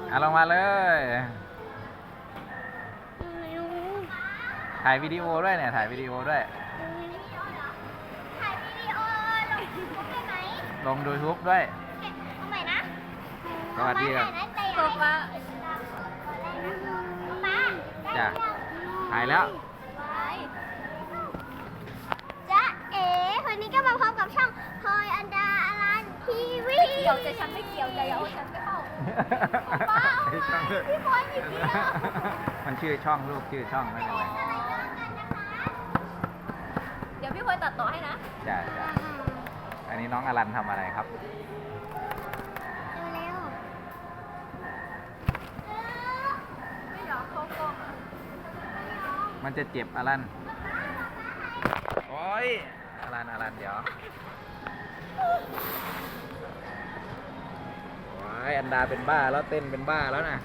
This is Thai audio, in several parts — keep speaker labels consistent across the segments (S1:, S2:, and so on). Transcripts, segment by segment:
S1: ลงมาเลยถ่ายวิดีโอด้วยเนี่ยถ่ายวิดีโอด้วย
S2: ถ่ายวิดีโอลงยูทูบได้ไหม
S1: ลงยูทูบด้วย
S2: เอาใหม่นะ
S1: สวัสดีครับ
S2: ป้า
S1: จ้ะถ่ายแล้ว
S2: จ๊ะเอ๋วันนี้ก็มาพบกับช่องพลอยอันดาอลันทีวีเกี่ยวแต่ฉันไม่เกี่ยวแต่อย่าเอาฉันไปเข้าป้าพี่พลอยหยิบเดียว
S1: มันชื่อช่องลูกชื่อช่องไม่เป็นไร
S2: เดี๋ยวพี่พลอยตัดต่อให้นะ
S1: จ้ะอันนี้น้องอลันทำอะไรครับมันจะเจ็บอลันโอ้ยอลันเดี๋ยวโอ้ยอันดาเป็นบ้าแล้วเต้นเป็นบ้าแล้วนะ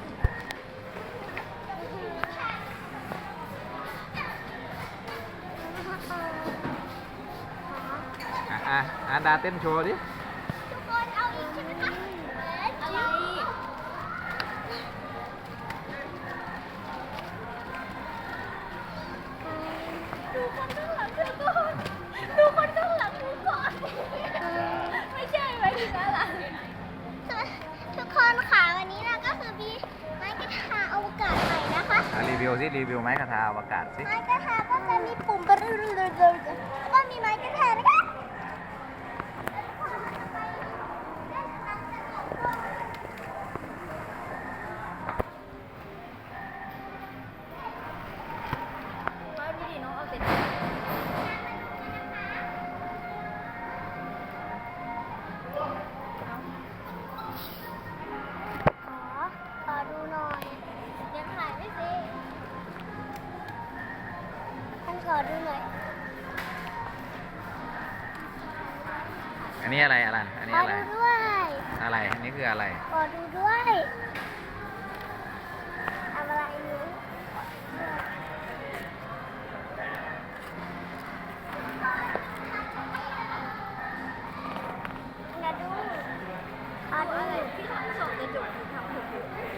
S1: อันดาเต้นโชว์ดิ
S2: ทุกคนเอาอีกใช่ไหมคะอะไรดูคนข้างหลังเธอก่อนดูคนข้างหลังเธอก่อนไม่ใช่ไหมถึงอะไรทุกคนค่ะวันนี้เราก็คือมีไม้กระทาอวกาศใหม่นะคะ
S1: รีวิวสิรีวิวไม้กระทาอวกาศสิ
S2: ไม้กระทาก็จะมีปุ่มแล้วก็มีไม้กระทานะคะขอดูหน่อยยังถ่ายไม่สิท่านขอดูหน่อย
S1: อันนี้อะไรอลันอันนี้อะไร
S2: ขอดูด้วย
S1: อะไรอันนี้คืออะไร
S2: ขอดูด้วยทำอะไรอยู่อย่าดูขอดูที่ทำส่งกระจกทำถูก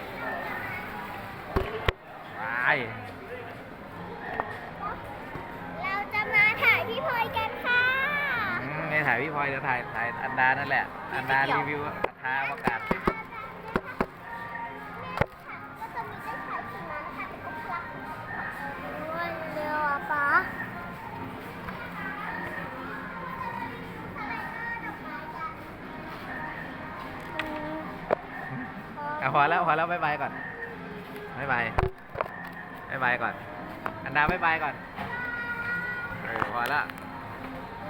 S2: เราจะมาถ่ายพี่พลอยกันค่ะ
S1: นี่ถ่ายพี่พลอยจะถ่ายอันดานั่นแหละอันดารีวิวกระทาอวกาศ
S2: ก็จะมีได้ถ่ายสีมานะคะเป็นองค์ลักษณ์ด้วยเร็วอ่ะป๊า
S1: พอแล้วบ๊ายบายก่อนบ๊ายบายก่อนอันดาบ๊ายบายก่อนพอแล้ว